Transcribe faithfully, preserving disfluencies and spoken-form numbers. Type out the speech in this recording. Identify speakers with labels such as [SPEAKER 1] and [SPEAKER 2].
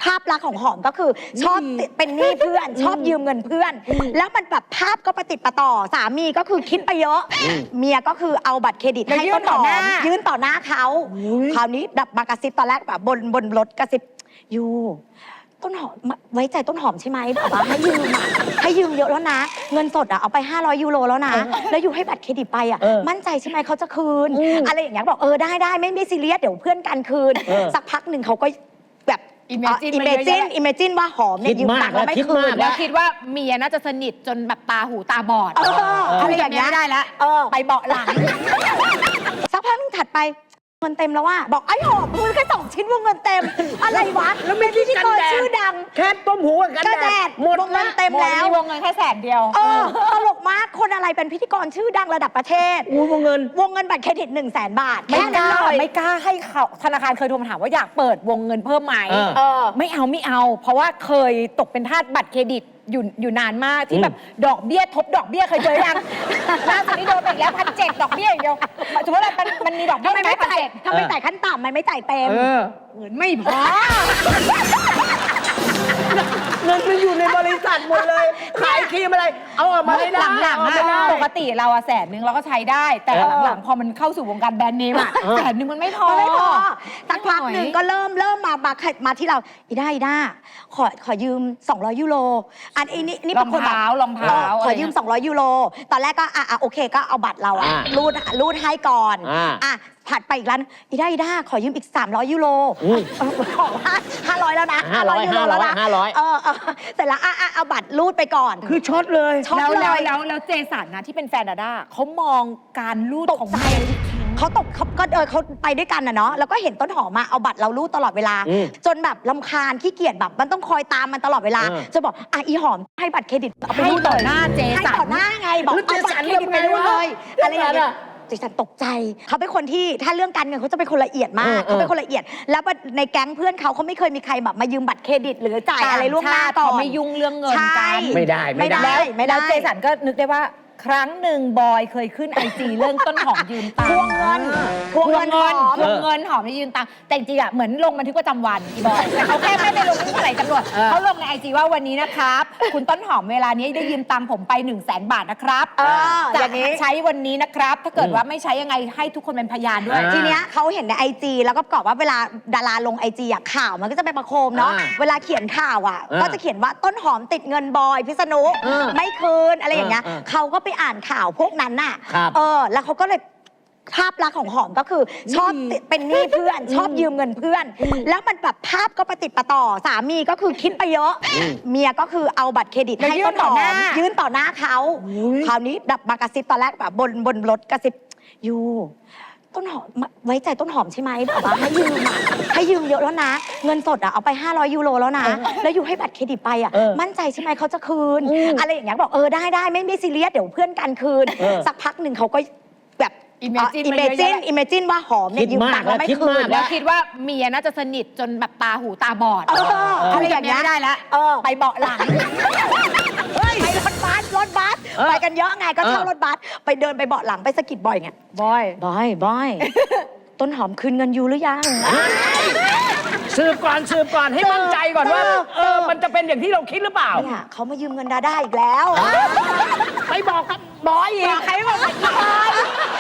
[SPEAKER 1] ภาพลักษณ์ของหอมก็คือชอบเป็นหนี้เพื่อนชอบยืมเงินเพื่อน แล้วมันแบบภาพก็ประติดประต่อสามีก็คือคิดไปเยอะเมียก็คือเอาบัตรเครดิตให้ต้นหอมยื่นต่อหน้าเขาคราวนี้แบบมากระซิบตอนแรกแบบบนบนรถกระซิบยูต้นหอมไว้ใจต้นหอมใช่ไหมแบบว่าให้ยืมอ่ะให้ยืมเยอะแล้วนะเงินสดอ่ะเอาไปห้าร้อยยูโรแล้วนะแล้วอยู่ให้บัตรเครดิตไปอ่ะมั่นใจใช่ไหมเขาจะคืนอะไรอย่างเงี้ยบอกเออได้ได้ไม่ไม่ซีเรียสเดี๋ยวเพื่อนกันคืนสักพักหนึ่งเขาก็แบบ
[SPEAKER 2] อิมเมจิน
[SPEAKER 1] อิมเมจินอิมเมจินว่าหอมเนี่ยยืมตังค์แล้วไม่คืน
[SPEAKER 2] แล้วคิดว่าเมียน่าจะสนิทจนแบบตาหูตาบอด
[SPEAKER 1] เอออะไรอย่างเงี้ย
[SPEAKER 2] ไม่ได้แล้วไปเบาะหลัง
[SPEAKER 1] สักพักนึงถัดไปเงินเต็มแล้วว่าบอกไอ้หอมพูดแค่สองชิ้นวงเงินเต็มอะไรวะแล้วเป็นพิธีกรชื่อดัง
[SPEAKER 3] แค่ต้มหูกับกันแดดหมด
[SPEAKER 1] วงเงินเต็มแล้ว
[SPEAKER 2] มีวงเงินแค่แสนเดียว
[SPEAKER 1] เออตลกมากคนอะไรเป็นพิธีกรชื่อดังระดับประเทศ
[SPEAKER 3] อู้วงเงิน
[SPEAKER 1] วงเงินบัตรเครดิตหนึ่งแสนบาท
[SPEAKER 2] ไม่
[SPEAKER 1] แค่
[SPEAKER 2] ก
[SPEAKER 1] นั้น
[SPEAKER 2] ล้า
[SPEAKER 1] เลย
[SPEAKER 2] ไม่กล้าให้เขาธนาคารเคยโทรมาถามว่าอยากเปิดวงเงินเพิ่มไหม
[SPEAKER 3] เออ
[SPEAKER 2] เออไม่เอาไม่เอา เพราะว่าเคยตกเป็นทาสบัตรเครดิตอยู่อยู่นานมากที่แบบดอกเบี้ยทบดอกเบี้ยเคยเจอยังล่าสุดนี้โดนไปอีกแล้วพันเจ็ดดอกเบี้ยอย่างเดียวสมมติว่ามันมันมีดอกเบี้
[SPEAKER 1] ทำ
[SPEAKER 2] ย
[SPEAKER 1] ไม
[SPEAKER 2] ไหม
[SPEAKER 1] ไม่
[SPEAKER 2] พัน
[SPEAKER 1] จ่าย
[SPEAKER 2] เจ็ด
[SPEAKER 1] ทำไมจ่ายขั้นต่ำมันไม่จ่ายเต็ม
[SPEAKER 3] เออ
[SPEAKER 2] เงินไม่พอ
[SPEAKER 3] เงินมันอยู่ในบริษัทหมดเลย ขายครีมอะไร เอาออกมาไม่ได้
[SPEAKER 2] หลังๆ
[SPEAKER 3] เอาไม่ได้
[SPEAKER 2] อะปกติเราอะแสนนึงเราก็ใช้ได้ แต่หลังๆพอมันเข้าสู่วงการแบรนด์เนมอะแสนนึงมันไม่พอ
[SPEAKER 1] มันไม่พอสักพักหนึ่งก็เริ่มเริ่มมามามาที่เราอีด้าอีด้าขอขอยืมสองร้อยยูโรอันนี้นี่เป็นคนแบบ
[SPEAKER 2] รองเท้ารองเท้า
[SPEAKER 1] ขอยืมสองร้อยยูโรตอนแรกก็อ่ะอ่ะโอเคก็เอาบัตรเราอะ
[SPEAKER 3] อ่า
[SPEAKER 1] รูดรูดให้ก่อน
[SPEAKER 3] อ่า
[SPEAKER 1] อ่ะถัดไปอีกร้านอีด้าอีด้าขอยืมอีกสามร้อยยูโร
[SPEAKER 3] อืม
[SPEAKER 1] ขอว่าห้าร้อยแล้วนะ
[SPEAKER 3] ห้าร้อย
[SPEAKER 1] ยูโรแล้วนะ
[SPEAKER 3] ห้าร้อย
[SPEAKER 1] เออเออเสร็จแล้วอ่ะอ่ะเอาบัตรรูดไปก่อน
[SPEAKER 3] คือช็อตเลย
[SPEAKER 1] ช็อต
[SPEAKER 2] แล้ว
[SPEAKER 1] เล
[SPEAKER 2] แล้ว
[SPEAKER 1] ย
[SPEAKER 2] แล้วแล้วเจสันนะที่เป็นแฟนดาด้าเขามองการลูด
[SPEAKER 1] ตก
[SPEAKER 2] ของ
[SPEAKER 1] ใจ
[SPEAKER 2] เมีย
[SPEAKER 1] เขาตกเขาก็เออเขาไปด้วยกันนะเนาะแล้วก็เห็นต้นหอมมาเอาบัตรเรารูดตลอดเวลา
[SPEAKER 3] อืม
[SPEAKER 1] จนแบบลำคาญขี้เกียจแบบมันต้องคอยตามมันตลอดเวลา
[SPEAKER 3] เออ
[SPEAKER 1] จะบอกอ่ะอีหอมให้บัตรเครดิตเอาไป
[SPEAKER 2] ให้
[SPEAKER 1] รูด
[SPEAKER 2] ต่อ
[SPEAKER 1] เลย
[SPEAKER 2] หน้าเจ
[SPEAKER 1] ให้
[SPEAKER 2] สัน
[SPEAKER 1] ต่อหน้าไงบอก
[SPEAKER 3] แล้ว
[SPEAKER 1] เอาบัตรเครดิตไปรูดเลย
[SPEAKER 3] เจสัน
[SPEAKER 1] อะไรอย่างเงี้ย
[SPEAKER 3] อะ
[SPEAKER 1] เจสันตกใจเขาเป็นคนที่ถ้าเรื่องการเงินเขาจะเป็นคนละเอียดมาก
[SPEAKER 3] เออเออ
[SPEAKER 1] เขาเป็นคนละเอียด แล้วในแก๊งเพื่อนเขาเขาไม่เคยมีใครแบบมายืมบัตรเครดิต หรือจ่ายอะไรล่วงหน้าก่อน
[SPEAKER 2] เขาไม่ยุ่งเรื่องเงิน
[SPEAKER 1] ใช่
[SPEAKER 2] กัน
[SPEAKER 3] ไม่ได้ไม่ได้
[SPEAKER 2] แล้ว
[SPEAKER 1] ไม่ได้
[SPEAKER 2] แล้วเจสันก็นึกได้ว่าครั้งหนึ่งบอยเคยขึ้นไอจีเรื่องต้นหอมยืมตัง
[SPEAKER 1] ทวง
[SPEAKER 2] ค์
[SPEAKER 1] เงินทวง
[SPEAKER 2] ทว
[SPEAKER 1] เงิ
[SPEAKER 2] ง
[SPEAKER 1] นห
[SPEAKER 2] เงิ
[SPEAKER 1] อน ม
[SPEAKER 2] ทวงเงินหอมได้ยืมตังค์แต่จริงๆอ่ะเหมือนลงบันทึกประจำวันอีบอยแต่เขาแค่ไม่ได้ลงบันทึกอะไรตำรวจ
[SPEAKER 3] เออ
[SPEAKER 2] เขาลงในไอจีว่าวันนี้นะครับ คุณต้นหอมเวลานี้ได้ยืมตังค์ผมไป1นึ่งแสนบาทนะครับ
[SPEAKER 1] เอออ
[SPEAKER 2] จะ
[SPEAKER 1] ย่างนี้
[SPEAKER 2] ใช้วันนี้นะครับ ถ้าเกิดว่าไม่ใช้ยังไงให้ทุกคนเป็นพยานด้วย
[SPEAKER 3] อ่า
[SPEAKER 1] ทีเนี้ยเขาเห็นในไอจีแล้วก็ประกอบว่าเวลาดาราลงไอจีอะข่าวมันก็จะไปประโคมเนาะ
[SPEAKER 3] อ่า
[SPEAKER 1] เวลาเขียนข่าวอ่ะ
[SPEAKER 3] อ่า
[SPEAKER 1] ก็จะเขียนว่าต้นหอมติดเงินบอยพิษณุ
[SPEAKER 3] อ่า
[SPEAKER 1] ไม่คืนอะไรอย่างเงี้ย
[SPEAKER 3] อ่าอ่า
[SPEAKER 1] เขาก็ไปอ่านข่าวพวกนั้นน่ะ
[SPEAKER 3] ครับ
[SPEAKER 1] เออแล้วเขาก็เลยภาพลักษณ์ของหอมก็คือชอบติดเป็นหนี้เพื่อน ชอบยืมเงินเพื่อน แล้วมันแบบภาพก็ประติดประต่อสามีก็คือคิดไปเยอะ เมียก็คือเอาบัตรเครดิต
[SPEAKER 2] แล้ว
[SPEAKER 1] ให้
[SPEAKER 2] ยื่
[SPEAKER 1] ต้
[SPEAKER 2] น
[SPEAKER 1] น
[SPEAKER 2] ต่
[SPEAKER 1] ห
[SPEAKER 2] อ
[SPEAKER 1] อ
[SPEAKER 2] หน้า
[SPEAKER 1] มยื่นต่อหน้าเขาคราวนี้แบบมากระซิบตอนแรกแบบบนบนรถกระซิบยูต้นหอมไว้ใจต้นหอมใช่ไหมแบบว่าให้ยืมอ่ะให้ยืมเยอะแล้วนะ เงินสดอ่ะเอาไปห้าร้อยยูโรแล้วนะ แล้วอยู่ให้บัตรเครดิตไปอ่ะ
[SPEAKER 3] เออ
[SPEAKER 1] มั่นใจใช่ไหมเขาจะคืน
[SPEAKER 3] อืม
[SPEAKER 1] อะไรอย่างเงี้ยบอกเออได้ได้ไม่ไม่ซีเรียสเดี๋ยวเพื่อนกันคืน
[SPEAKER 3] เออ
[SPEAKER 1] สักพักหนึ่งเขาก็แบบ
[SPEAKER 2] Imagine
[SPEAKER 1] อิม
[SPEAKER 2] มัน
[SPEAKER 1] เม
[SPEAKER 2] เยอะ
[SPEAKER 1] จิน
[SPEAKER 2] แยะ
[SPEAKER 1] อิมเมจินว่าหอมเนี่ย
[SPEAKER 3] คิด
[SPEAKER 1] ยืม
[SPEAKER 3] มาก
[SPEAKER 1] ตังค์แล้วไม่
[SPEAKER 3] คิด
[SPEAKER 1] คื
[SPEAKER 3] มาน ก
[SPEAKER 2] แล้วคิดว่าเมียน่าจะสนิทจนแบบตาหูตาบอด
[SPEAKER 1] เอออะไรอย่างเงี้ย
[SPEAKER 2] ไม่ได้แล้ว
[SPEAKER 1] เออ
[SPEAKER 2] ไปเบาะหลัง
[SPEAKER 1] เฮ้ยไปรถบัสรถบัส
[SPEAKER 3] เออ
[SPEAKER 1] ไปกันเยอะไงก็เช่า
[SPEAKER 3] เออ
[SPEAKER 1] รถบัสไปเดินไปเบาะหลังไปสะกิดบ่อยไง
[SPEAKER 2] บอย
[SPEAKER 1] บอยบอย ต้นหอมคืนเงินยูหรือยัง
[SPEAKER 3] สืบก่อนสืบก่อนให้มั่นใจก่อนว่า
[SPEAKER 1] เออ
[SPEAKER 3] เออมันจะเป็นอย่างที่เราคิดหรือเปล่า
[SPEAKER 1] เนี่ยเขามายืมเงินดาด้าอีกแล้ว
[SPEAKER 3] ไปบอกกับบอยอีก
[SPEAKER 2] ใครบอก